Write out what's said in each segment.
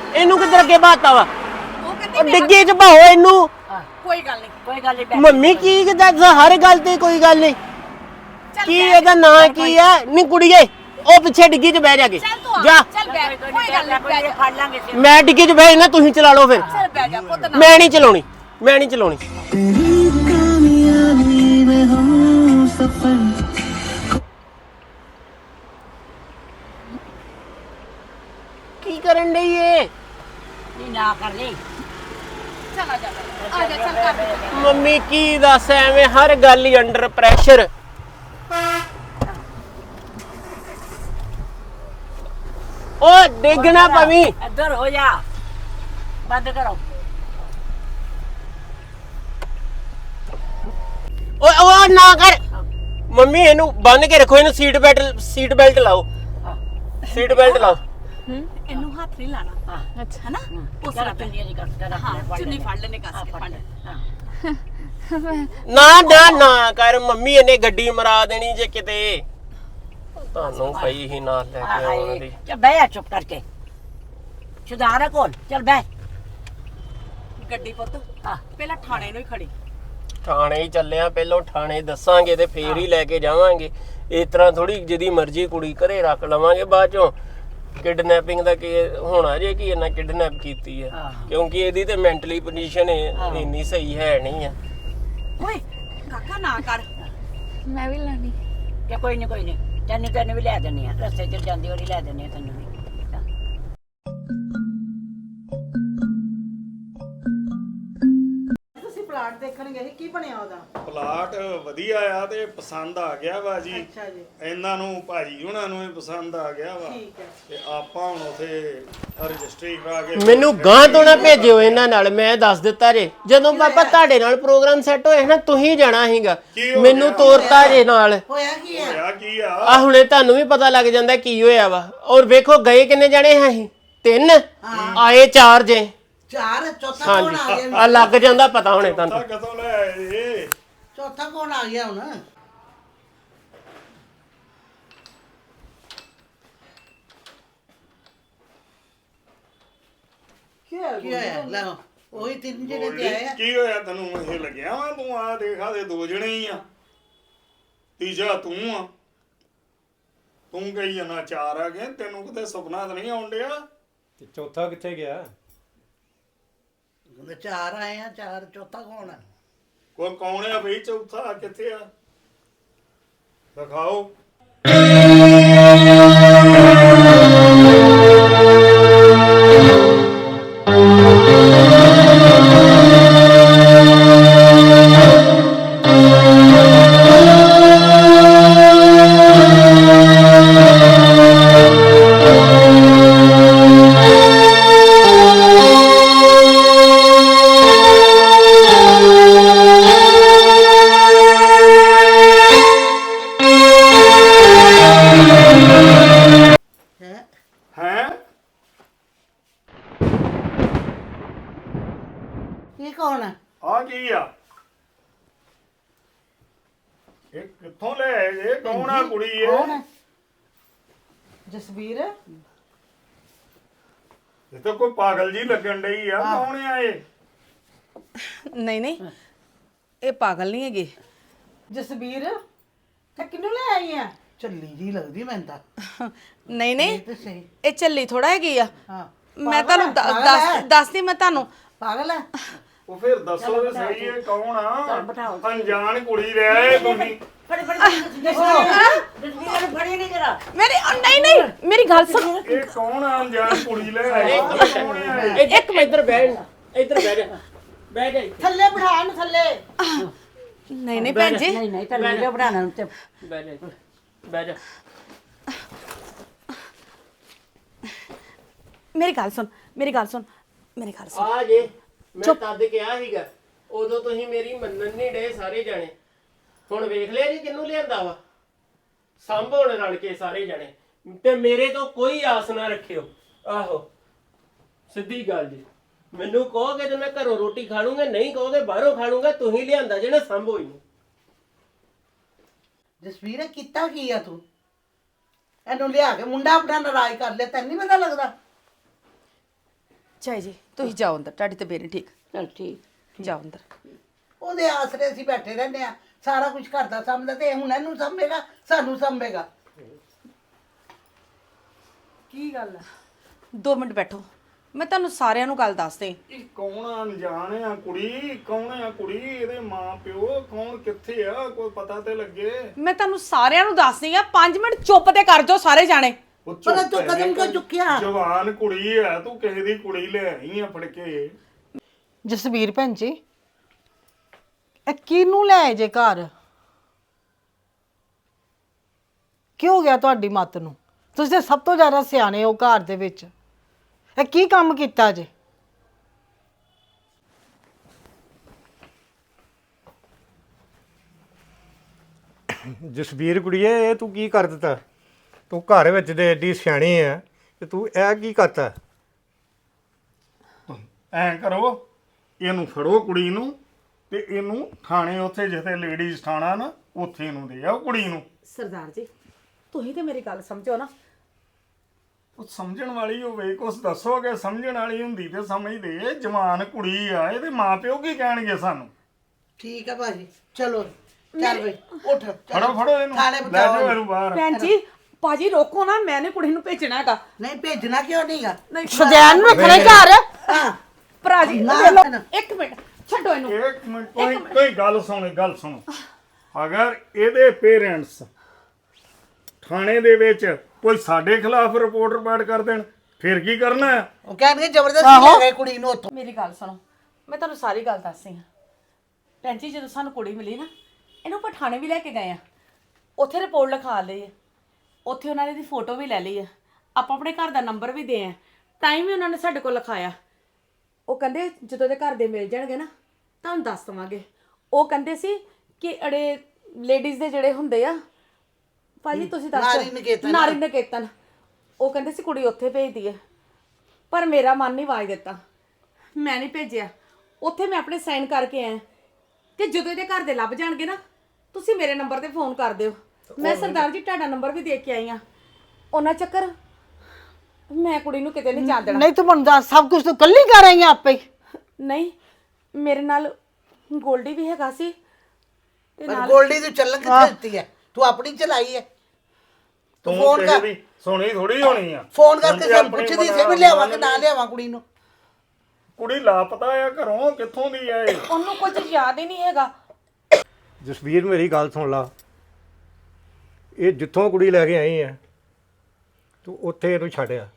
ਇਹਨੂੰ ਕਿੱਧਰ ਅੱਗੇ ਬਾਤਾ ਵਾ ਉਹ ਕਹਿੰਦੀ ਉਹ ਡਿੱਗੀ ਚ ਭਾਓ ਇਹਨੂੰ ਕੋਈ ਗੱਲ ਨਹੀਂ ਮੰਮੀ ਕੀ ਦੱਸ ਹਰ ਗੱਲ ਤੇ ਕੋਈ ਗੱਲ ਨਹੀਂ ਕੀ ਇਹਦਾ ਨਾਂ ਕੀ ਆ ਨੀ ਕੁੜੀਏ ਉਹ ਪਿੱਛੇ ਡਿੱਗੀ ਚ ਬਹਿ ਜਾ ਕੇ ਚੱਲ ਤੂੰ ਆ ਜਾ ਚੱਲ ਬੈ ਕੋਈ ਗੱਲ ਨਹੀਂ ਬੈ ਜਾ ਫੜ ਲਾਂਗੇ ਮੈਂ ਡਿੱਗੀ ਚ ਬਹਿ ਨਾ ਤੁਸੀਂ ਚਲਾ ਲਓ ਫਿਰ ਚੱਲ ਬੈ ਜਾ ਪੁੱਤ ਨਾ ਮੈਂ ਨਹੀਂ ਚਲਾਉਣੀ ਮੈਂ ਨਹੀਂ ਚਲਾਉਣੀ ਕੀ ਕਰਨ ਡਈ ਏ ਨਹੀਂ ਨਾ ਕਰ ਲਈ ਚੱਲ ਆ ਜਾ ਚੱਲ ਕਰ ਦੇ ਮੰਮੀ ਕੀ ਦੱਸ ਐਵੇਂ ਹਰ ਗੱਲ ਹੀ ਅੰਡਰ ਪ੍ਰੈਸ਼ਰ ਉਹ ਡਿੱਗਣਾ ਪਵੀ ਇੱਧਰ ਹੋ ਜਾ ਬੰਦ ਕਰੋ ਉਹ ਨਾ ਕਰ ਮੰਮੀ ਇਹਨੂੰ ਬੰਨ ਕੇ ਰੱਖੋ ਇਹਨੂੰ ਸੀਟ ਬੈਲਟ ਲਾਓ ਸੀਟ ਬੈਲਟ ਲਾਓ ਇਹਨੂੰ ਹੱਥ ਨਹੀਂ ਲਾਣਾ ਅੱਛਾ ਹੈ ਨਾ ਉਸ ਚੱਲ ਤਰ੍ਹਾਂ ਚੁੰਨੀ ਦੀ ਕਰ ਹਾਂ ਚੁੰਨੀ ਫੜ ਲੈਨੇ ਕੱਸ ਕੇ ਫੜ ਨਾ ਨਾ ਨਾ ਕਰ ਮੰਮੀ ਇਹਨੇ ਗੱਡੀ ਮਰਾ ਦੇਣੀ ਜੇ ਕਿਤੇ ਤੁਹਾਨੂੰ ਪਈ ਹੀ ਨਾਲ ਲੈ ਕੇ ਆਉਣ ਦੀ ਚੱਲ ਬਹਿ ਜਾ ਚੁੱਪ ਕਰਕੇ ਸੁਧਾਰ ਕੋਲ ਚੱਲ ਬਹਿ ਗੱਡੀ ਪੁੱਤ ਹਾਂ ਪਹਿਲਾਂ ਥਾਣੇ ਨੂੰ ਹੀ ਖੜੀ ਥਾਣੇ ਹੀ ਚੱਲਿਆ ਪਹਿਲਾਂ ਥਾਣੇ ਦੱਸਾਂਗੇ ਤੇ ਫੇਰ ਹੀ ਲੈ ਕੇ ਜਾਵਾਂਗੇ ਇਸ ਤਰ੍ਹਾਂ ਥੋੜੀ ਜਿਹਦੀ ਮਰਜ਼ੀ ਕੁੜੀ ਘਰੇ ਰੱਖ ਲਵਾਂਗੇ ਬਾਅਦ ਚੋਂ ਕਿਡਨੈਪਿੰਗ ਦਾ ਕੀ ਹੋਣਾ ਜੇ ਕਿ ਇਹਨਾਂ ਕਿਡਨੈਪ ਕੀਤੀ ਹੈ ਕਿਉਂਕਿ ਇਹਦੀ ਤੇ ਮੈਂਟਲੀ ਪੋਜੀਸ਼ਨ ਇੰਨੀ ਸਹੀ ਹੈ ਨਹੀਂ ਆ ਓਏ ਕਾਕਾ ਨਾ ਕਰ ਮੈਂ ਵੀ ਲੈਣੀ ਕਿ ਕੋਈ ਨਹੀਂ ਤੈਨੂੰ ਵੀ ਲੈ ਦਿੰਨੀ ਆ ਰਸਤੇ 'ਚ ਜਾਂਦੀ ਵਾਰੀ ਲੈ ਦਿੰਨੀ ਆ ਤੈਨੂੰ ਵੀ ਤੁਸੀਂ ਪਲਾਟ ਦੇਖਣ ਗਏ ਕੀ ਬਣਿਆ ਉਹਦਾ ਪਲਾਟ ਵਧੀਆ ਆ ਤੇ ਪਸੰਦ ਆ ਗਿਆ ਵਾ ਜੀ ਅੱਛਾ ਜੀ ਇਹਨਾਂ ਨੂੰ ਭਾਜੀ ਉਹਨਾਂ ਨੂੰ ਵੀ ਪਸੰਦ ਆ ਗਿਆ ਵਾ ਠੀਕ ਹੈ ਤੇ ਆਪਾਂ ਹੁਣ ਉਥੇ ਰਜਿਸਟਰੀ ਕਰਾ ਕੇ ਮੈਨੂੰ ਗਾਂ ਤੋਂ ਨਾ ਭੇਜਿਓ ਇਹਨਾਂ ਨਾਲ ਮੈਂ ਦੱਸ ਦਿੱਤਾ ਜੇ ਜਦੋਂ ਪਾਪਾ ਤੁਹਾਡੇ ਨਾਲ ਪ੍ਰੋਗਰਾਮ ਸੈੱਟ ਹੋਏ ਨਾ ਤੁਸੀਂ ਜਾਣਾ ਸੀਗਾ ਕੀ ਹੋ ਮੈਨੂੰ ਗਿਆ? ਤੋਰਤਾ ਜੇ ਨਾਲ ਹੋਇਆ ਕੀ ਹੈ ਹੋਇਆ ਕੀ ਆ ਆ ਹੁਣੇ ਤੁਹਾਨੂੰ ਵੀ ਪਤਾ ਲੱਗ ਜਾਂਦਾ ਕੀ ਹੋਇਆ ਵਾ ਔਰ ਵੇਖੋ ਗਏ ਕਿੰਨੇ ਜਾਣੇ ਹੈ ਅਸੀਂ 3 ਆਏ 4 ਜੇ ਚਾਰ ਚੌਥਾ ਕੌਣ ਆ ਹਾਂਜੀ ਗਿਆ ਆ ਲੱਗ ਜਾਂਦਾ ਪਤਾ ਹੁਣੇ ਤਾਂ ਤੁਹਾਨੂੰ ਕਦੋਂ ਲੈ ਆਏ ਇਹ? ਚੌਥਾ ਕੌਣ ਆ ਗਿਆ ਹੁਣ ਕੀ ਹੋਇਆ ਲੈ ਉਹੀ ਤਿੰਨ ਜਿਹੜੇ ਤੇ ਆਏ ਆ ਕੀ ਹੋਇਆ ਤੈਨੂੰ ਇਹ ਲੱਗਿਆ ਵਾ ਤੂੰ ਆ ਦੇਖਾ ਦੇ 2 ਜਣੇ ਹੀ ਆ ਤੀਜਾ ਤੂੰ ਆ ਤੂੰ ਕਹੀ ਜਾਣਾ 4 ਆ ਗਏ ਤੈਨੂੰ ਕਿਤੇ ਸੁਪਨਾ ਤਾਂ ਨਹੀਂ ਆਉਣ ਡਿਆ ਤੇ ਚੌਥਾ ਕਿੱਥੇ ਗਿਆ ਕਹਿੰਦੇ ਚਾਰ ਆਏ ਆ ਚਾਰ ਚੌਥਾ ਕੌਣ ਆ ਕੋਈ ਕੌਣ ਆ ਬਈ ਚੌਥਾ ਕਿੱਥੇ ਆ ਦਿਖਾਓ ਹੈ ਹੈਂ ਇਹ ਕੌਣ ਆ ਆ ਕੀ ਆ ਇਹ ਕਿੱਥੋਂ ਲੈ ਆਏ ਇਹ ਕੌਣ ਆ ਕੁੜੀ ਕੌਣ ਇਹ ਆ ਜਸਵੀਰ ਇਹ ਤਾਂ ਕੋਈ ਪਾਗਲ ਜੀ ਲੱਗਣ ਡਈ ਆ ਕੌਣ ਆ ਇਹ ਨਹੀਂ ਨਹੀਂ ਇਹ ਪਾਗਲ ਨਹੀਂ ਹੈਗੇ ਜਸਵੀਰ ਤੇ ਕਿਹਨੂੰ ਲੈ ਆਈ ਆ ਚੱਲੀ ਜੀ ਲੱਗਦੀ ਮੈਨੂੰ ਤਾਂ ਨਹੀਂ ਨਹੀਂ ਤੇ ਸਹੀ ਇਹ ਚੱਲੀ ਥੋੜਾ ਹੈਗੀ ਆ ਹਾਂ ਮੈਂ ਤੁਹਾਨੂੰ ਦੱਸਦੀ ਮੈਂ ਤੁਹਾਨੂੰ ਪਾਗਲ ਹੈ ਉਹ ਫਿਰ ਦੱਸੋ ਤੇ ਸਹੀ ਇਹ ਕੌਣ ਆ ਅਣਜਾਣ ਕੁੜੀ ਲੈ ਆਏ ਤੁਸੀਂ ਫੜੀ ਜਸਵੀਰ ਫੜੀ ਨਹੀਂ ਜਰਾ ਨਹੀਂ ਨਹੀਂ ਮੇਰੀ ਗੱਲ ਸੁਣ ਇਹ ਕੌਣ ਆ ਅਣਜਾਣ ਕੁੜੀ ਲੈ ਆਏ ਕੌਣ ਆ ਇਹ? ਇੱਕ ਮਿੰਟ ਇੱਧਰ ਬਹਿ ਜਾ ਥੱਲੇ ਬਿਠਾ ਨੂੰ ਥੱਲੇ ਨਹੀਂ ਨਹੀਂ ਭੈਣ ਜੀ ਨਹੀਂ ਤੈਨੂੰ ਵੀਡੀਓ ਬਣਾਉਣਾ ਤੇ ਬਹਿ ਜਾ ਮੇਰੀ ਗੱਲ ਸੁਣ ਆ ਜੇ ਮੈਂ ਤਦ ਕਿਹਾ ਸੀਗਾ ਉਦੋਂ ਤੁਸੀਂ ਮੇਰੀ ਮੰਨਣ ਨਹੀਂ ਡੇ ਸਾਰੇ ਜਾਣੇ ਹੁਣ ਵੇਖ ਲਿਆ ਜੀ ਕਿਹਨੂੰ ਲਿਆਂਦਾ ਵਾ ਸੰਭੋਣ ਰਲ ਕੇ ਸਾਰੇ ਜਾਣੇ ਤੇ ਮੇਰੇ ਤੋਂ ਕੋਈ ਆਸ ਨਾ ਰੱਖਿਓ ਆਹੋ ਸਿੱਧੀ ਗੱਲ ਜੀ ਮੈਨੂੰ ਕਹੋਗੇ ਤੇ ਮੈਂ ਘਰੋਂ ਰੋਟੀ ਖਾ ਲੂੰਗਾ ਨਹੀਂ ਕਹੋਗੇ ਬਾਹਰੋਂ ਖਾ ਲੂੰਗਾ ਤੁਸੀਂ ਲਿਆਂਦਾ ਜਿਹੜਾ ਸੰਭੋ ਹੀ ਜਸਵੀਰ ਕੀਤਾ ਕੀ ਆ ਤੂੰ ਇਹਨੂੰ ਲਿਆ ਕੇ ਮੁੰਡਾ ਆਪਣਾ ਨਾਰਾਜ਼ ਕਰ ਲਿਆ ਤੈਨੂੰ ਨਹੀਂ ਪਤਾ ਲੱਗਦਾ ਚਾਈ ਜੀ ਤੁਸੀਂ ਜਾਓ ਅੰਦਰ, ਤੁਹਾਡੀ ਤਬੀਅਤ ਨਹੀਂ ਠੀਕ। ਚਲ ਠੀਕ। ਜਾਓ ਅੰਦਰ। ਉਹਦੇ ਆਸਰੇ ਅਸੀਂ ਬੈਠੇ ਰਹਿੰਦੇ ਆ, ਸਾਰਾ ਕੁਝ ਘਰ ਦਾ ਸਾਂਭਦਾ ਤੇ ਹੁਣ ਇਹਨੂੰ ਸਾਂਭੇਗਾ, ਸਾਨੂੰ ਸਾਂਭੇਗਾ। ਕੀ ਗੱਲ ਹੈ? 2 ਮਿੰਟ ਬੈਠੋ, ਮੈਂ ਤੁਹਾਨੂੰ ਸਾਰਿਆਂ ਨੂੰ ਗੱਲ ਦੱਸਦੇ। ਇਹ ਕੌਣ ਅਣਜਾਣ ਆ ਕੁੜੀ? ਕੌਣ ਆ ਕੁੜੀ? ਇਹਦੇ ਮਾਂ ਪਿਓ ਕੌਣ, ਕਿੱਥੇ ਆ? ਕੋਈ ਪਤਾ ਤੇ ਲੱਗੇ। ਮੈਂ ਤੁਹਾਨੂੰ ਸਾਰਿਆਂ ਨੂੰ ਦੱਸਦੀ ਆ, 5 ਮਿੰਟ ਚੁੱਪ ਤੇ ਕਰ ਜਾਓ ਸਾਰੇ ਜਾਣੇ। ਉਹ ਪਰ ਚੁੱਪ ਤੂੰ ਹੈ, ਕਦਮ ਕਿਉਂ ਚੁੱਕਿਆ? ਜਵਾਨ ਕੁੜੀ ਆ, ਤੂੰ ਕਿਸੇ ਦੀ ਕੁੜੀ ਲੈ ਆਈ ਆ ਫੜ ਕੇ। ਜਸਵੀਰ ਭੈਣ ਜੀ, ਇਹ ਕਿਹਨੂੰ ਲੈ ਆਏ ਜੇ ਘਰ? ਕੀ ਹੋ ਗਿਆ ਤੁਹਾਡੀ ਮੱਤ ਨੂੰ? ਤੁਸੀਂ ਤਾਂ ਸਭ ਤੋਂ ਜ਼ਿਆਦਾ ਸਿਆਣੇ ਹੋ ਘਰ ਦੇ ਵਿੱਚ। ਇਹ ਕੀ ਕੰਮ ਕੀਤਾ ਜੇ? ਜਸਵੀਰ ਕੁੜੀਏ, ਇਹ ਤੂੰ ਕੀ ਕਰ ਦਿੱਤਾ? ਤੂੰ ਘਰ ਵਿੱਚ ਦੇ ਏਡੀ ਸਿਆਣੀ ਆ ਤੇ ਤੂੰ ਇਹ ਕੀ ਕਰਤਾ? ਐਂ ਕਰੋ, ਇਹਨੂੰ ਫੜੋ ਕੁੜੀ ਨੂੰ ਤੇ ਇਹਨੂੰ ਥਾਣੇ, ਉੱਥੇ ਜਿੱਥੇ ਲੇਡੀਜ਼ ਥਾਣਾ ਨਾ, ਉੱਥੇ ਇਹਨੂੰ ਦੇ ਆਓ ਕੁੜੀ ਨੂੰ। ਸਰਦਾਰ ਜੀ, ਤੁਸੀਂ ਤੇ ਮੇਰੀ ਗੱਲ ਸਮਝੋ ਨਾ। ਉਹ ਸਮਝਣ ਵਾਲੀ ਹੋਵੇ, ਕੁਛ ਦੱਸੋਗੇ? ਸਮਝਣ ਵਾਲੀ ਹੁੰਦੀ ਤੇ ਸਮਝਦੇ। ਜਵਾਨ ਕੁੜੀ ਆ, ਇਹਦੇ ਮਾਪਿਓ ਕੀ ਕਹਿਣਗੇ ਸਾਨੂੰ? ਠੀਕ ਹੈ ਭਾਜੀ, ਚਲੋ ਚੱਲ ਬਈ ਉੱਠ। ਫੜੋ ਫੜੋ ਇਹਨੂੰ, ਲੈ ਜਾਓ ਇਹਨੂੰ ਬਾਹਰ। ਭੈਣ ਜੀ, ਭਾਜੀ ਰੋਕੋ ਨਾ, ਮੈਂ ਨੀ ਕੁੜੀ ਨੂੰ ਭੇਜਣਾ ਹੈਗਾ। ਨਹੀਂ ਭੇਜਣਾ ਕਿਉਂ ਨਹੀਂਗਾ? ਸ਼ੁਦੈਨ ਨੂੰ ਰੱਖਣਾ ਘਰ। ਹਾਂ ਭਰਾ ਜੀ ਨਾ, ਲੈ ਲਓ, ਨਾ। 1 ਮਿੰਟ ਛੱਡੋ ਇਹਨੂੰ। ਇੱਕ ਮਿੰਟ, ਕੋਈ ਗੱਲ ਸੁਣੋ। ਅਗਰ ਇਹਦੇ ਪੇਰੈਂਟਸ ਥਾਣੇ ਦੇ ਵਿੱਚ ਕੋਈ ਸਾਡੇ ਖਿਲਾਫ ਰਿਪੋਰਟ ਕਰ ਦੇਣ, ਫਿਰ ਕੀ ਕਰਨਾ ਹੈ? ਉਹ ਕਹਿੰਦੇ ਜ਼ਬਰਦਸਤੀ ਲੈ ਗਏ ਕੁੜੀ ਨੂੰ ਉੱਥੋਂ। ਮੇਰੀ ਗੱਲ ਸੁਣੋ, ਮੈਂ ਤੁਹਾਨੂੰ ਸਾਰੀ ਗੱਲ ਦੱਸਦੀ ਹਾਂ। ਭੈਣ ਜੀ, ਜਦੋਂ ਸਾਨੂੰ ਕੁੜੀ ਮਿਲੀ ਨਾ, ਇਹਨੂੰ ਆਪਾਂ ਥਾਣੇ ਵੀ ਲੈ ਕੇ ਗਏ ਆ, ਉੱਥੇ ਰਿਪੋਰਟ ਲਿਖਾ ਲਈ ਹੈ, ਉੱਥੇ ਉਹਨਾਂ ਨੇ ਦੀ ਫੋਟੋ ਵੀ ਲੈ ਲਈ ਹੈ, ਆਪਾਂ ਆਪਣੇ ਘਰ ਦਾ ਨੰਬਰ ਵੀ ਦੇ ਆ, ਟਾਈਮ ਵੀ ਉਹਨਾਂ ਨੇ ਸਾਡੇ ਕੋਲ ਲਿਖਾਇਆ। ਉਹ ਕਹਿੰਦੇ ਜਦੋਂ ਦੇ ਘਰ ਦੇ ਮਿਲ ਜਾਣਗੇ ਨਾ ਤੁਹਾਨੂੰ ਦੱਸ ਦਵਾਂਗੇ। ਉਹ ਕਹਿੰਦੇ ਸੀ ਕਿ ਅੜੇ ਲੇਡੀਜ਼ ਦੇ ਜਿਹੜੇ ਹੁੰਦੇ ਆ ਭਾਜੀ, ਤੁਸੀਂ ਦੱਸੋ, ਨਾਰੀ ਨਿਕੇਤਨ, ਉਹ ਕਹਿੰਦੇ ਸੀ ਕੁੜੀ ਉੱਥੇ ਭੇਜਦੀ ਹੈ, ਪਰ ਮੇਰਾ ਮਨ ਨਹੀਂ ਵਾਜ ਦਿੱਤਾ, ਮੈਂ ਨਹੀਂ ਭੇਜਿਆ। ਉੱਥੇ ਮੈਂ ਆਪਣੇ ਸਾਈਨ ਕਰਕੇ ਆਇਆ ਕਿ ਜਦੋਂ ਇਹਦੇ ਘਰ ਦੇ ਲੱਭ ਜਾਣਗੇ ਨਾ, ਤੁਸੀਂ ਮੇਰੇ ਨੰਬਰ ਤੇ ਫੋਨ ਕਰ ਦਿਓ। ਮੈਂ ਸਰਦਾਰ ਜੀ ਤੁਹਾਡਾ ਨੰਬਰ ਵੀ ਦੇ ਕੇ ਆਈ ਆ। ਉਹਨਾਂ ਚੱਕਰ ਮੈਂ ਕੁੜੀ ਨੂੰ ਕਿਤੇ ਨਹੀਂ ਜਾਣ ਦੇਣਾ। ਨਹੀਂ ਤੂੰ ਮੈਨੂੰ ਦੱਸ, ਸਭ ਕੁਝ ਤੂੰ ਕੱਲੀ ਕਰ ਰਹੀ ਆ ਆਪੇ ਹੀ? ਨਹੀਂ, ਮੇਰੇ ਨਾਲ ਗੋਲਡੀ ਵੀ ਹੈਗਾ ਸੀ ਤੇ ਪਰ ਨਾਲ ਗੋਲਡੀ ਤੂੰ ਚੱਲਣ ਕਿੱਥੇ ਦਿੱਤੀ ਹੈ? ਤੂੰ ਆਪਣੀ ਚਲਾਈ ਹੈ। ਤੂੰ ਫੋਨ ਕਰ, ਸੁਣੀ ਥੋੜੀ ਹੋਣੀ ਆ। ਫੋਨ ਕਰਕੇ ਸਾਨੂੰ ਪੁੱਛਦੀ ਸੀ ਵੀ ਲਿਆਵਾਂ ਕਿ ਨਾ ਲਿਆਵਾਂ ਕੁੜੀ ਨੂੰ। ਕੁੜੀ ਲਾਪਤਾ ਆ ਘਰੋਂ, ਕਿੱਥੋਂ ਦੀ ਆ ਇਹ? ਉਹਨੂੰ ਕੁਝ ਯਾਦ ਹੀ ਨਹੀਂ ਹੈਗਾ। ਜਸਵੀਰ, ਮੇਰੀ ਗੱਲ ਸੁਣ ਲਾ। ਇਹ ਜਿੱਥੋਂ ਕੁੜੀ ਲੈ ਕੇ ਆਈ ਆ, ਤੂੰ ਉੱਥੇ ਇਹਨੂੰ ਛੱਡਿਆ।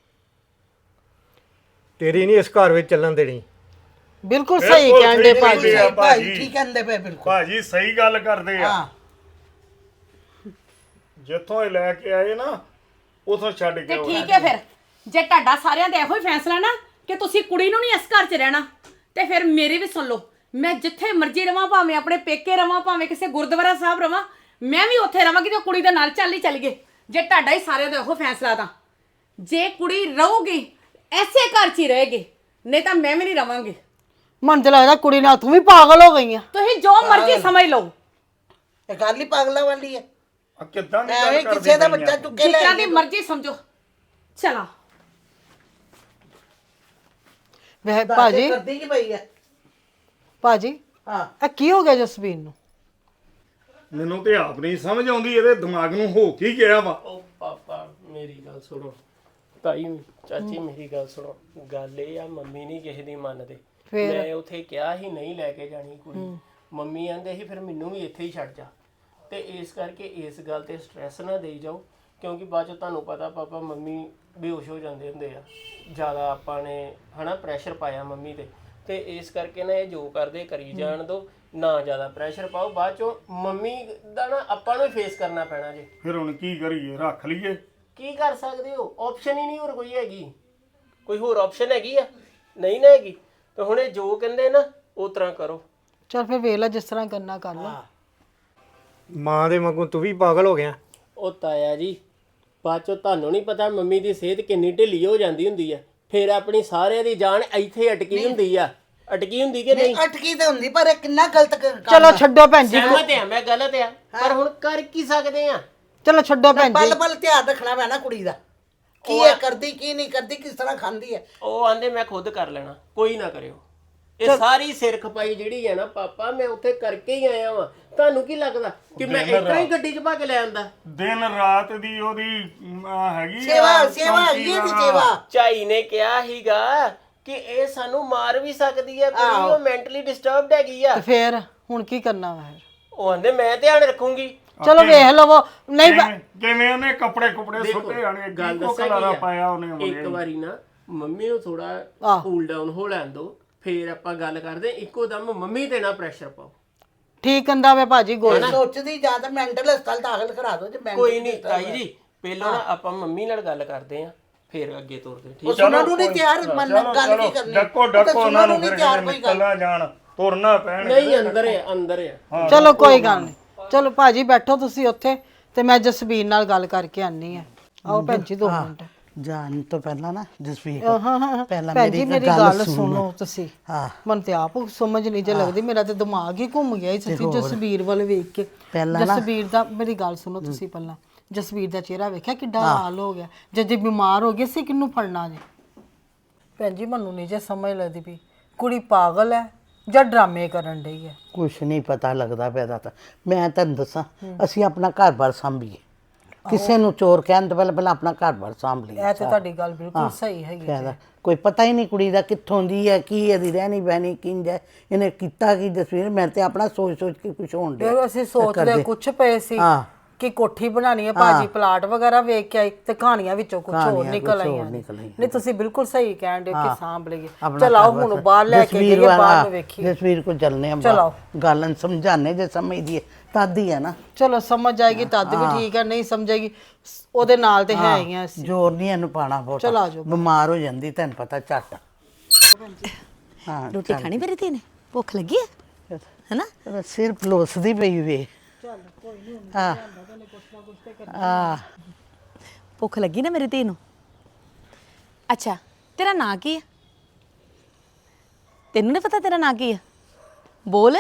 ਤੇਰੀ ਨਹੀਂ ਇਸ ਘਰ ਵਿੱਚ ਚੱਲਣ ਦੇਣੀ। ਬਿਲਕੁਲ ਸਹੀ ਕਹਿੰਦੇ ਭਾਜੀ, ਭਾਜੀ। ਭਾਜੀ ਠੀਕ ਕਹਿੰਦੇ ਪਏ ਬਿਲਕੁਲ। ਭਾਜੀ ਸਹੀ ਗੱਲ ਕਰਦੇ ਆ। ਹਾਂ ਜਿੱਥੋਂ ਇਹ ਲੈ ਕੇ ਆਏ ਨਾ, ਉਥੋਂ ਛੱਡ ਕੇ ਤੇ ਆਓ। ਠੀਕ ਹੈ, ਫਿਰ ਜੇ ਤੁਹਾਡਾ ਸਾਰਿਆਂ ਦਾ ਇਹੋ ਹੀ ਫੈਸਲਾ ਨਾ ਕਿ ਤੁਸੀਂ ਕੁੜੀ ਨੂੰ ਨਹੀਂ ਇਸ ਘਰ 'ਚ ਰਹਿਣਾ, ਤੇ ਫਿਰ ਮੇਰੀ ਵੀ ਸੁਣ ਲਓ। ਮੈਂ ਜਿੱਥੇ ਮਰਜ਼ੀ ਰਵਾਂ, ਭਾਵੇਂ ਆਪਣੇ ਪੇਕੇ ਰਵਾਂ, ਭਾਵੇਂ ਕਿਸੇ ਗੁਰਦੁਆਰਾ ਸਾਹਿਬ ਰਵਾਂ, ਮੈਂ ਵੀ ਉੱਥੇ ਰਵਾਂਗੀ ਤੇ ਕੁੜੀ ਦੇ ਨਾਲ ਚੱਲ ਗਏ। ਜੇ ਤੁਹਾਡਾ ਹੀ ਸਾਰਿਆਂ ਦਾ ਇਹੋ ਫੈਸਲਾ ਤਾਂ ਜੇ ਕੁੜੀ ਰਹੂਗੀ ਐਸੇ ਘਰ 'ਚ ਹੀ ਰਹੇਗੀ, ਨਹੀਂ ਤਾਂ ਮੈਂ ਵੀ ਨਹੀਂ ਰਵਾਂਗੀ। ਮਨ ਤੇ ਲੱਗਦਾ ਕੁੜੀ ਨਾਲ ਤੂੰ ਵੀ ਪਾਗਲ ਹੋ ਗਈ ਆ। ਤੁਸੀਂ ਜੋ ਮਰਜ਼ੀ ਸਮਝ ਲਓ। ਇਹ ਗੱਲ ਹੀ ਪਾਗਲਾਂ ਵਾਲੀ ਹੈ। ਆ ਕਿੱਦਾਂ ਦੀ ਐਵੇਂ ਗੱਲ ਕਿਸੇ ਦਾ ਕਰਦੇ ਬੱਚਾ ਚੁੱਕ ਕੇ ਲੈ ਜਿੱਦਾਂ ਦੀ ਆਈ। ਮਰਜ਼ੀ ਸਮਝੋ। ਚਲਾ ਵਹ ਭਾਜੀ ਕਰਦੀ ਕੀ ਪਈ ਹੈ? ਭਾਜੀ ਹਾਂ ਇਹ ਕੀ ਹੋ ਗਿਆ ਜਸਵੀਰ ਨੂੰ? ਮੈਨੂੰ ਤੇ ਆਪ ਨਹੀਂ ਸਮਝ ਆਉਂਦੀ, ਇਹਦੇ ਦਿਮਾਗ ਨੂੰ ਹੋ ਕੀ ਗਿਆ ਵਾ। ਉਹ ਪਾਪਾ ਮੇਰੀ ਗੱਲ ਸੁਣੋ, ਤਾਈ ਚਾਚੀ ਮੇਰੀ ਗੱਲ ਸੁਣੋ। ਗੱਲ ਇਹ ਆ, ਮੰਮੀ ਨਹੀਂ ਕਿਸੇ ਦੀ ਮੰਨਦੇ। ਮੈਂ ਉੱਥੇ ਕਿਹਾ ਹੀ ਨਹੀਂ ਲੈ ਕੇ ਜਾਣੀ ਕੁੜੀ, ਮੰਮੀ ਆਂਦੇ ਸੀ ਫਿਰ ਮੈਨੂੰ ਵੀ ਇੱਥੇ ਹੀ ਛੱਡ ਜਾ। ਤੇ ਇਸ ਕਰਕੇ ਇਸ ਗੱਲ ਤੇ ਸਟ੍ਰੈਸ ਨਾ ਦੇਈ ਜਾਓ, ਕਿਉਂਕਿ ਬਾਅਦ ਚ ਤੁਹਾਨੂੰ ਪਤਾ ਪਾਪਾ ਮੰਮੀ ਬੇਹੋਸ਼ ਹੋ ਜਾਂਦੇ ਹੁੰਦੇ ਆ, ਜ਼ਿਆਦਾ ਆਪਾਂ ਨੇ ਹਨਾ ਪ੍ਰੈਸ਼ਰ ਪਾਇਆ ਮੰਮੀ ਤੇ ਇਸ ਕਰਕੇ ਨਾ ਇਹ ਜੋ ਕਰਦੇ ਕਰੀ ਜਾਣ ਦੋ, ਨਾ ਜ਼ਿਆਦਾ ਪ੍ਰੈਸ਼ਰ ਪਾਓ। ਬਾਅਦ ਚੋਂ ਮੰਮੀ ਦਾ ਨਾ ਆਪਾਂ ਨੂੰ ਫੇਸ ਕਰਨਾ ਪੈਣਾ ਜੇ। ਫਿਰ ਹੁਣ ਕੀ ਕਰੀਏ? ਰੱਖ ਲਈਏ? ਕੀ ਕਰ ਸਕਦੇ ਹੋ? ਆਪਸ਼ਨ ਹੀ ਨਹੀਂ ਹੋਰ ਕੋਈ ਹੈਗੀ। ਕੋਈ ਹੋਰ ਆਪਸ਼ਨ ਹੈਗੀ ਆ? ਨਹੀਂ ਨਾ ਹੈਗੀ। ਤੇ ਹੁਣ ਇਹ ਜੋ ਕਹਿੰਦੇ ਨਾ ਉਸ ਤਰ੍ਹਾਂ ਕਰੋ। ਚਲ ਫਿਰ ਵੇਖ ਲੈ, ਜਿਸ ਤਰ੍ਹਾਂ ਕਰਨਾ ਕਰ ਲੈ। ਮਾਂ ਦੇ ਵਾਂਗੂ ਤੂੰ ਵੀ ਪਾਗਲ ਹੋ ਗਿਆ। ਉਹ ਤਾਇਆ ਜੀ, ਬਾਅਦ ਚੋਂ ਤੁਹਾਨੂੰ ਨਹੀਂ ਪਤਾ ਮੰਮੀ ਦੀ ਸਿਹਤ ਕਿੰਨੀ ਢਿੱਲੀ ਹੋ ਜਾਂਦੀ ਹੁੰਦੀ ਆ, ਫਿਰ ਆਪਣੀ ਸਾਰਿਆਂ ਦੀ ਜਾਨ ਇੱਥੇ ਅਟਕੀ ਹੁੰਦੀ ਆ। ਅਟਕੀ ਹੁੰਦੀ ਕਿ ਨਹੀਂ? ਅਟਕੀ ਤਾਂ ਹੁੰਦੀ, ਪਰ ਇਹ ਕਿੰਨਾ ਗਲਤ ਕੰਮ। ਚਲੋ ਛੱਡੋ ਭੈਣ ਜੀ, ਸਹਿਮਤ ਆ ਮੈਂ, ਗਲਤ ਆ, ਪਰ ਹੁਣ ਕਰ ਕੀ ਸਕਦੇ ਆ? ਚਲੋ ਛੱਡੋ ਭੈਣ ਜੀ। ਪਲ ਪਲ ਧਿਆਨ ਰੱਖਣਾ ਪੈਣਾ ਕੁੜੀ ਦਾ। ਕੀ ਇਹ ਕਰਦੀ ਕੀ ਨਹੀਂ ਕਰਦੀ, ਕਿਸ ਤਰ੍ਹਾਂ ਖਾਂਦੀ ਹੈ। ਉਹ ਆਂਦੇ ਮੈਂ ਖੁਦ ਕਰ ਲੈਣਾ, ਕੋਈ ਨਾ ਕਰਿਓ। ਇਹ ਸਾਰੀ ਸਿਰ ਖਪਾਈ ਜਿਹੜੀ ਹੈ ਨਾ ਪਾਪਾ, ਮੈਂ ਉੱਥੇ ਕਰਕੇ ਹੀ ਆਇਆ ਵਾਂ। ਤੁਹਾਨੂੰ ਕੀ ਲੱਗਦਾ ਕਿ ਮੈਂ ਇਤਨਾ ਹੀ ਗੱਡੀ 'ਚ ਪਾ ਕੇ ਲੈ ਆਂਦਾ? ਦਿਨ ਰਾਤ ਦੀ ਉਹਦੀ ਹੈਗੀ ਸੇਵਾ ਹੈਗੀ ਇਹਦੀ ਸੇਵਾ। ਝਾਈ ਨੇ ਕਿਹਾ ਹੀਗਾ ਕਿ ਇਹ ਸਾਨੂੰ ਮਾਰ ਵੀ ਸਕਦੀ ਹੈ, ਕੁੜੀ ਉਹ ਮੈਂਟਲੀ ਡਿਸਟਰਬਡ ਹੈਗੀ ਆ। ਤੇ ਫੇਰ ਹੁਣ ਕੀ ਕਰਨਾ ਵਾ ਫਿਰ? ਉਹ ਆਂਦੇ ਮੈਂ ਧਿਆਨ ਰੱਖੂੰਗੀ। ਚਲੋ ਵੇਖ ਲਵੋ। ਨਹੀਂ ਕਿਵੇਂ ਉਹਨੇ ਕੱਪੜੇ ਸੁੱਟੇ ਆਣੇ, ਗੱਲ ਕੋ ਦੱਸਾਂ ਕਲਾਰਾ ਕੀ ਪਾਇਆ ਆ, ਉਹਨੇ ਇੱਕ ਵਾਰੀ ਨਾ ਮੰਮੀ ਨੂੰ ਥੋੜਾ ਕੂਲ ਡਾਊਨ ਹੋ ਲੈਣ ਦੋ, ਫੇਰ ਆਪਾਂ ਗੱਲ ਕਰਦੇ। ਇੱਕੋ ਦਮ ਮੰਮੀ ਤੇ ਨਾ ਪ੍ਰੈਸ਼ਰ ਪਾਓ। ਠੀਕ ਕਹਿੰਦਾ ਵੇ ਭਾਜੀ ਗੋਲ। ਸੋਚਦੀ ਜਾਂ ਤਾਂ ਮੈਂਟਲ ਹਸਪਤਾਲ ਦਾਖਲ ਕਰਾ ਦੋ। ਜੇ ਕੋਈ ਨਹੀਂ ਤਾਈ ਜੀ, ਪਹਿਲਾਂ ਨਾ ਆਪਾਂ ਮੰਮੀ ਨਾਲ ਗੱਲ ਕਰਦੇ ਆਂ, ਫੇਰ ਅੱਗੇ ਤੁਰਦੇ। ਠੀਕ ਉਹ ਸੁਣਨ ਨੂੰ ਨਹੀਂ ਤਿਆਰ, ਗੱਲ ਕੀ ਕਰਨੀ। ਡੱਕੋ ਉਹਨਾਂ ਨੂੰ ਫਿਰ ਨਿਕਲਣਾ ਜਾਣ, ਤੁਰਨਾ ਪੈਣ। ਨਹੀਂ, ਅੰਦਰ ਆ। ਚਲੋ ਕੋਈ ਗੱਲ ਨਹੀਂ। ਚਲੋ ਭਾਜੀ ਬੈਠੋ ਤੁਸੀਂ ਉੱਥੇ, ਤੇ ਮੈਂ ਜਸਬੀਰ ਨਾਲ ਗੱਲ ਕਰਕੇ ਆਨੀ ਆ। ਆਓ ਭੈਣ ਜੀ 2 ਮਿੰਟ। ਜਾਣ ਤੋਂ ਪਹਿਲਾਂ ਨਾ ਜਸਵੀਰ ਪਹਿਲਾਂ ਭੈਣ ਜੀ ਮੇਰੀ ਗੱਲ ਸੁਣੋ ਤੁਸੀਂ। ਹਾਂ। ਮਨ ਤੇ ਆਪ ਸਮਝ ਨਹੀਂ ਜੇ ਲੱਗਦੀ, ਮੇਰਾ ਤੇ ਦਿਮਾਗ ਹੀ ਘੁੰਮ ਗਿਆ ਸੱਚੀ ਜਸਬੀਰ ਵੱਲ ਵੇਖ ਕੇ। ਜਸਬੀਰ ਦਾ ਮੇਰੀ ਗੱਲ ਸੁਣੋ ਤੁਸੀਂ ਪਹਿਲਾਂ। ਜਸਬੀਰ ਦਾ ਚਿਹਰਾ ਵੇਖਿਆ ਕਿੱਡਾ ਹਾਲ ਹੋ ਗਿਆ। ਜੇ ਬਿਮਾਰ ਹੋ ਗਏ ਸੀ ਕਿਹਨੂੰ ਫੜਨਾ ਜੇ? ਭੈਣ ਜੀ ਮੈਨੂੰ ਨਹੀਂ ਜੇ ਸਮਝ ਲੱਗਦੀ ਵੀ ਕੁੜੀ ਪਾਗਲ ਹੈ ਜਾਂ ਡਰਾਮੇ ਕਰਨ ਡਈ ਹੈ। ਕੁਛ ਨਹੀਂ ਪਤਾ ਲੱਗਦਾ ਪਿਆ ਤਾਂ। ਮੈਂ ਤੁਹਾਨੂੰ ਦੱਸਾਂ, ਅਸੀਂ ਆਪਣਾ ਘਰ-ਬਾਰ ਸੰਭੀਏ, ਕਿਸੇ ਨੂੰ ਚੋਰ ਕਹਿਣ ਤੋਂ ਪਹਿਲਾਂ ਆਪਣਾ ਘਰ-ਬਾਰ ਸੰਭ ਲਈਏ। ਇਹ ਤੇ ਤੁਹਾਡੀ ਗੱਲ ਬਿਲਕੁਲ ਸਹੀ ਹੈਗੀ। ਕੋਈ ਪਤਾ ਹੀ ਨਹੀਂ ਕੁੜੀ ਦਾ ਕਿੱਥੋਂ ਦੀ ਹੈ, ਕੀ ਇਹਦੀ ਰਹਿਣੀ ਬਹਿਣੀ ਕਿੰਜ ਹੈ, ਇਹਨੇ ਕੀਤਾ ਕੀ। ਜਸਵੀਰ ਮੈਂ ਤੇ ਆਪਣਾ ਸੋਚ ਕੇ ਕੁਛ ਹੋਣ ਡਿਆ। ਅਸੀਂ ਸੋਚਦੇ ਕੁਛ ਪਏ ਸੀ ਕਿ ਕੋਠੀ ਬਣਾਣੀ ਹੈ, ਭਾਜੀ ਪਲਾਟ ਵਗੈਰਾ ਵੇਖ ਕੇ ਆਈ ਤੇ ਕਹਾਣੀਆਂ ਵਿੱਚੋਂ ਕੁਝ ਹੋਰ ਨਿਕਲ ਆਈਆਂ। ਨਹੀਂ ਤੁਸੀਂ ਬਿਲਕੁਲ ਸਹੀ ਕਹਿਣ ਦੇ ਕਿ ਸਾਂਭ ਲਈਏ। ਚਲਾਓ ਹੁਣ ਬਾਹਰ ਲੈ ਕੇ ਗਈਏ, ਬਾਹਰ ਨੂੰ ਵੇਖੀਏ। ਜਸਵੀਰ ਕੋ ਚੱਲਨੇ ਆ, ਗੱਲ ਨੂੰ ਸਮਝਾਣੇ ਜੇ ਸਮਝਦੀ ਹੈ ਤਦ ਹੀ ਹੈ ਨਾ। ਚਲੋ ਸਮਝ ਜਾਏਗੀ ਤਦ ਵੀ ਠੀਕ ਹੈ, ਨਹੀਂ ਸਮਝੇਗੀ ਉਹਦੇ ਨਾਲ ਤੇ ਹੈ ਹੀ ਆ ਅਸੀਂ। ਜ਼ੋਰ ਨਹੀਂ ਇਹਨੂੰ ਪਾਣਾ ਬਹੁਤ। ਚਲ ਆ ਜਾਓ। ਬਿਮਾਰ ਹੋ ਜਾਂਦੀ ਤੈਨੂੰ ਪਤਾ ਝੱਟ। ਹਾਂ ਰੋਟੀ ਖਾਣੀ ਮੇਰੀ ਧੀ ਨੇ? ਭੁੱਖ ਲੱਗੀ ਹੈ ਹੈਨਾ? ਸਿਰ ਪਲੋਸਦੀ ਪਈ ਵੇ। ਹਾਂ ਭੁੱਖ ਲੱਗੀ ਨਾ ਮੇਰੀ ਧੀ ਨੂੰ? ਅੱਛਾ ਤੇਰਾ ਨਾਂ ਕੀ ਹੈ? ਤੈਨੂੰ ਨਹੀਂ ਪਤਾ ਤੇਰਾ ਨਾਂ ਕੀ ਹੈ? ਬੋਲ।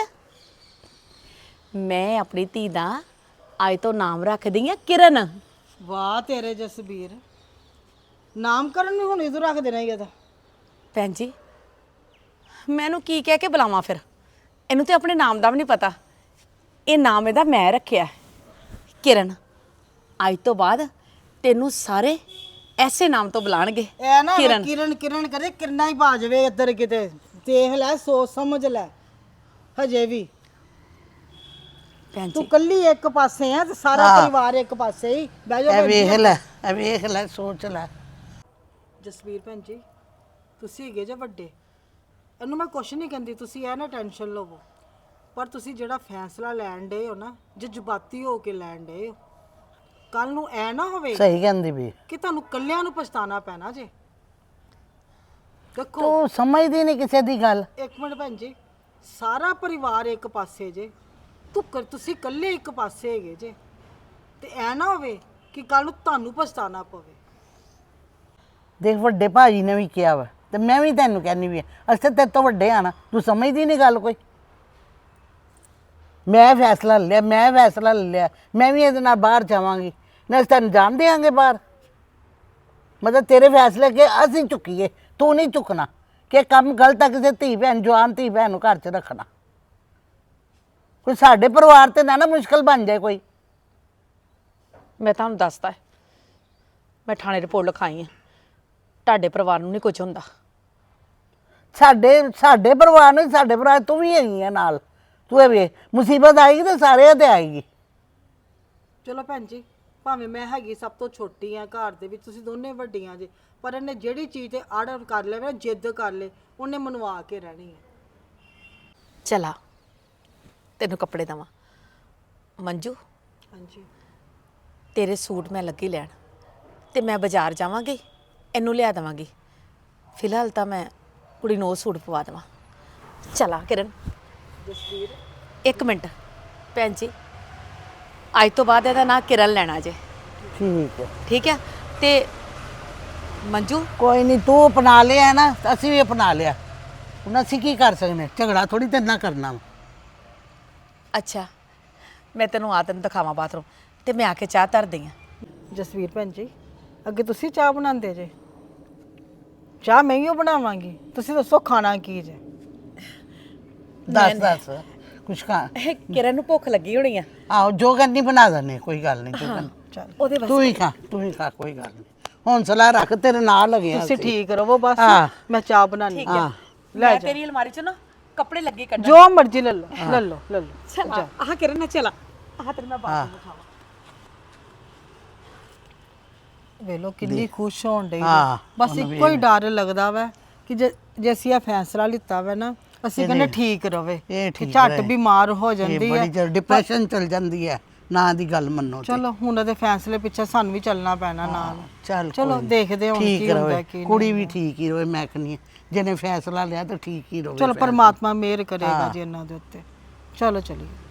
ਮੈਂ ਆਪਣੀ ਧੀ ਦਾ ਅੱਜ ਤੋਂ ਨਾਮ ਰੱਖਦੀ ਆ ਕਿਰਨ। ਵਾਹ ਤੇਰੇ ਜਸਬੀਰ, ਨਾਮਕਰਨ ਨੂੰ ਹੁਣ ਇਧਰ ਰੱਖ ਦੇਣਾ ਹੀ ਇਹਦਾ। ਭੈਣ ਜੀ ਮੈਂ ਇਹਨੂੰ ਕੀ ਕਹਿ ਕੇ ਬੁਲਾਵਾਂ ਫਿਰ? ਇਹਨੂੰ ਤੇ ਆਪਣੇ ਨਾਮ ਦਾ ਵੀ ਨਹੀਂ ਪਤਾ। ਇਹ ਨਾਮ ਇਹਦਾ ਮੈਂ ਰੱਖਿਆ ਕਿਰਨ। ਅੱਜ ਤੋਂ ਬਾਅਦ ਤੈਨੂੰ ਸਾਰੇ ਐਸੇ ਨਾਮ ਤੋਂ ਬੁਲਾਣਗੇ। ਇਹ ਨਾ ਕਿਰਨ ਕਿਰਨ ਕਰੇ, ਕਿਰਨਾ ਹੀ ਪਾ ਜਾਵੇ ਇੱਧਰ ਕਿਤੇ। ਦੇਖ ਲੈ, ਸੋਚ ਸਮਝ ਲੈ। ਹਜੇ ਵੀ ਭੈਣ ਤੂੰ ਜੀ ਕੱਲੀ ਇੱਕ ਪਾਸੇ ਆ ਤੇ ਸਾਰਾ ਪਰਿਵਾਰ ਇੱਕ ਪਾਸੇ ਹੀ ਬਹਿ ਜਾ। ਇਹ ਵੇਖ ਲੈ ਸੋਚ ਲੈ। ਜਸਵੀਰ ਭੈਣ ਜੀ ਤੁਸੀਂ ਹੈਗੇ ਜੇ ਵੱਡੇ, ਇਹਨੂੰ ਮੈਂ ਕੁਛ ਨਹੀਂ ਕਹਿੰਦੀ, ਤੁਸੀਂ ਇਹ ਨਾ ਟੈਨਸ਼ਨ ਲਵੋ। ਪਰ ਤੁਸੀਂ ਜਿਹੜਾ ਫੈਸਲਾ ਲੈਣ ਡੇ ਹੋ ਨਾ, ਜਜ਼ਬਾਤੀ ਹੋ ਕੇ ਲੈਣ ਡੇ ਹੋ, ਕੱਲ ਨੂੰ ਐ ਨਾ ਹੋਵੇ ਸਹੀ ਕਹਿੰਦੀ ਵੀ ਕਿ ਤੁਹਾਨੂੰ ਕੱਲਿਆਂ ਨੂੰ ਪਛਤਾਣਾ ਪੈਣਾ ਜੇ। ਦੇਖੋ ਤੂੰ ਸਮਝਦੀ ਨਹੀਂ ਕਿਸੇ ਦੀ ਗੱਲ। ਇੱਕ ਮਿੰਟ ਭੈਣ ਜੀ, ਸਾਰਾ ਪਰਿਵਾਰ ਇੱਕ ਪਾਸੇ ਜੇ, ਤੁਸੀਂ ਇਕੱਲੇ ਇੱਕ ਪਾਸੇ ਹੈਗੇ ਜੇ, ਤੇ ਐ ਨਾ ਹੋਵੇ ਕਿ ਕੱਲ ਨੂੰ ਤੁਹਾਨੂੰ ਪਛਤਾਣਾ ਪਵੇ। ਦੇਖ ਵੱਡੇ ਭਾਜੀ ਨੇ ਵੀ ਕਿਹਾ ਵਾ ਤੇ ਮੈਂ ਵੀ ਤੈਨੂੰ ਕਹਿੰਦੀ ਵੀ ਅਸੀਂ ਤੇਰੇ ਤੋਂ ਵੱਡੇ ਆ ਨਾ, ਤੂੰ ਸਮਝਦੀ ਨਹੀਂ ਗੱਲ ਕੋਈ। ਮੈਂ ਫੈਸਲਾ ਲੈ ਲਿਆ, ਮੈਂ ਵੀ ਇਹਦੇ ਨਾਲ ਬਾਹਰ ਜਾਵਾਂਗੀ ਨਾ, ਅਸੀਂ ਤੈਨੂੰ ਜਾਣ ਦੇਵਾਂਗੇ ਬਾਹਰ। ਮਤਲਬ ਤੇਰੇ ਫੈਸਲੇ ਕਿ ਅਸੀਂ ਚੁੱਕੀਏ, ਤੂੰ ਨਹੀਂ ਚੁੱਕਣਾ ਕਿ ਕੰਮ ਗਲਤ ਹੈ ਕਿਸੇ ਧੀ ਭੈਣ, ਜਵਾਨ ਧੀ ਭੈਣ ਨੂੰ ਘਰ 'ਚ ਰੱਖਣਾ। ਕੋਈ ਸਾਡੇ ਪਰਿਵਾਰ ਤੇ ਨਾ ਮੁਸ਼ਕਲ ਬਣ ਜਾਏ ਕੋਈ। ਮੈਂ ਤੁਹਾਨੂੰ ਦੱਸਦਾ, ਮੈਂ ਥਾਣੇ ਰਿਪੋਰਟ ਲਿਖਾਈ ਹੈ। ਤੁਹਾਡੇ ਪਰਿਵਾਰ ਨੂੰ ਨਹੀਂ ਕੁਝ ਹੁੰਦਾ। ਸਾਡੇ ਪਰਿਵਾਰ ਨੂੰ, ਸਾਡੇ ਪਰਿਵਾਰ ਤੂੰ ਵੀ ਹੈਗੀ ਆ ਨਾਲ। ਤੂੰ ਇਹ ਵੇ ਮੁਸੀਬਤ ਆਏਗੀ ਤਾਂ ਸਾਰਿਆਂ ਤੇ ਆਏਗੀ। ਚਲੋ ਭੈਣ ਜੀ, ਭਾਵੇਂ ਮੈਂ ਹੈਗੀ ਸਭ ਤੋਂ ਛੋਟੀ ਆ ਘਰ ਦੇ ਵਿੱਚ, ਤੁਸੀਂ ਦੋਨੇ ਵੱਡੀਆਂ ਜੇ, ਪਰ ਇਹਨੇ ਜਿਹੜੀ ਚੀਜ਼ ਤੇ ਆਰਡਰ ਕਰ ਲਿਆ ਨਾ, ਜਿੱਦ ਕਰ ਲੇ, ਉਹਨੇ ਮਨਵਾ ਕੇ ਰਹਿਣੀ ਹੈ। ਚਲਾ ਤੈਨੂੰ ਕੱਪੜੇ ਦਵਾਂ। ਮੰਜੂ ਹਾਂਜੀ ਤੇਰੇ ਸੂਟ ਮੈਂ ਲੱਗੀ ਲੈਣ, ਤੇ ਮੈਂ ਬਾਜ਼ਾਰ ਜਾਵਾਂਗੀ, ਇਹਨੂੰ ਲਿਆ ਦੇਵਾਂਗੀ। ਫਿਲਹਾਲ ਤਾਂ ਮੈਂ ਕੁੜੀ ਨੂੰ ਉਹ ਸੂਟ ਪਵਾ ਦੇਵਾਂ। ਚਲਾ ਕਿਰਨ। ਜਸਵੀਰ ਇੱਕ ਮਿੰਟ ਭੈਣ ਜੀ, ਅੱਜ ਤੋਂ ਬਾਅਦ ਇਹਦਾ ਨਾਂ ਕਿਰਨ ਲੈਣਾ ਜੇ। ਠੀਕ ਹੈ ਠੀਕ ਹੈ? ਤੇ ਮੰਜੂ ਕੋਈ ਨਹੀਂ, ਤੂੰ ਅਪਣਾ ਲਿਆ ਨਾ, ਅਸੀਂ ਵੀ ਅਪਣਾ ਲਿਆ। ਹੁਣ ਅਸੀਂ ਕੀ ਕਰ ਸਕਦੇ, ਝਗੜਾ ਥੋੜੀ ਤੇ ਨਾ ਕਰਨਾ। ਅੱਛਾ ਮੈਂ ਤੈਨੂੰ ਆ ਤੈਨੂੰ ਦਿਖਾਵਾਂ ਬਾਥਰੂਮ, ਤੇ ਮੈਂ ਆ ਕੇ ਚਾਹ ਧਰਦੀ ਹਾਂ। ਜਸਵੀਰ ਭੈਣ ਜੀ, ਅੱਗੇ ਤੁਸੀਂ ਚਾਹ ਬਣਾਉਂਦੇ ਜੇ, ਚਾਹ ਮੈਂ ਹੀ ਓ ਬਣਾਵਾਂਗੀ। ਤੁਸੀਂ ਦੱਸੋ ਖਾਣਾ ਕੀ ਜੇ? ਦੱਸ ਕੁਛ ਖਾ। ਕਿਰਨ ਨੂੰ ਭੁੱਖ ਲੱਗੀ ਹੋਣੀ ਆ। ਆਹੋ ਜੋ ਕਰਨੀ ਬਣਾ ਦਨੇ, ਕੋਈ ਗੱਲ ਨਹੀਂ। ਚੱਲ ਉਹਦੇ ਬਸ ਤੂੰ ਹੀ ਖਾ ਕੋਈ ਗੱਲ ਨਹੀਂ। ਹੌਂਸਲਾ ਰੱਖ, ਤੇਰੇ ਨਾਲ ਲਗੇ ਤੁਸੀਂ ਠੀਕ ਰਵੋ ਬਸ, ਹਾਂ। ਮੈਂ ਚਾਹ ਬਣਾਣੀ। ਠੀਕ ਹੈ। ਮੈਂ ਤੇਰੀ ਅਲਮਾਰੀ ਚੋਂ ਨਾ ਕੱਪੜੇ ਲੱਗੇ ਕੱਢਣ। ਜੋ ਮਰਜ਼ੀ ਲੈ ਲਓ ਲੈ ਲਓ ਲੈ ਲਓ। ਚਲ ਆਹ ਕਿਰਨ ਨਾ ਚਲਾ, ਆਹ ਤੇਰੇ ਮੈਂ ਬਾਅਦ ਵਿੱਚ ਖਾਵਾਂ। ਵੇਲੋ ਕਿੰਨੀ ਖੁਸ਼ ਹੋਣ ਡਈ ਹਾਂ, ਬਸ ਇੱਕੋ ਹੀ ਡਰ ਲੱਗਦਾ ਵਾ ਕਿ ਜੇ ਅਸੀਂ ਇਹ ਫੈਸਲਾ ਲਿੱਤਾ ਵਾ ਨਾ, ਅਸੀਂ ਕਹਿੰਦੇ ਠੀਕ ਰਵੇ, ਇਹ ਕਿ ਠੀਕ ਝੱਟ ਰਹੇ। ਬਿਮਾਰ ਹੋ ਇਹ ਜਾਂਦੀ ਹੈ। ਬੜੀ ਜਲਦੀ ਡਿਪਰੈਸ਼ਨ ਚਲ ਜਾਂਦੀ ਹੈ ਨਾ ਦੀ ਗੱਲ ਮੰਨੋ ਤੇ। ਚਲੋ ਹੁਣ ਉਹਦੇ ਫੈਸਲੇ ਪਿੱਛੇ ਸਾਨੂੰ ਵੀ ਚੱਲਣਾ ਪੈਣਾ ਨਾਲ। ਚੱਲ ਚਲੋ ਕੋਈ ਨੀ। ਦੇਖਦੇ ਹਾਂ ਹੁਣ ਠੀਕ ਕੀ ਹੁੰਦਾ ਰਵੇ, ਕੀ ਨਹੀਂ। ਕੁੜੀ ਵੀ ਠੀਕ ਹੀ ਰਵੇ, ਮੈਂ ਕਹਿੰਦੀ ਹਾਂ ਜਿਹਨੇ ਫੈਸਲਾ ਲਿਆ ਤਾਂ ਠੀਕ ਹੀ ਰਵੇ। ਚਲੋ ਫੈਸਲਾ। ਪਰਮਾਤਮਾ ਮਿਹਰ ਕਰੇਗਾ ਜੀ ਇਹਨਾਂ ਦੇ ਉੱਤੇ। ਚਲੋ ਚਲੀਏ।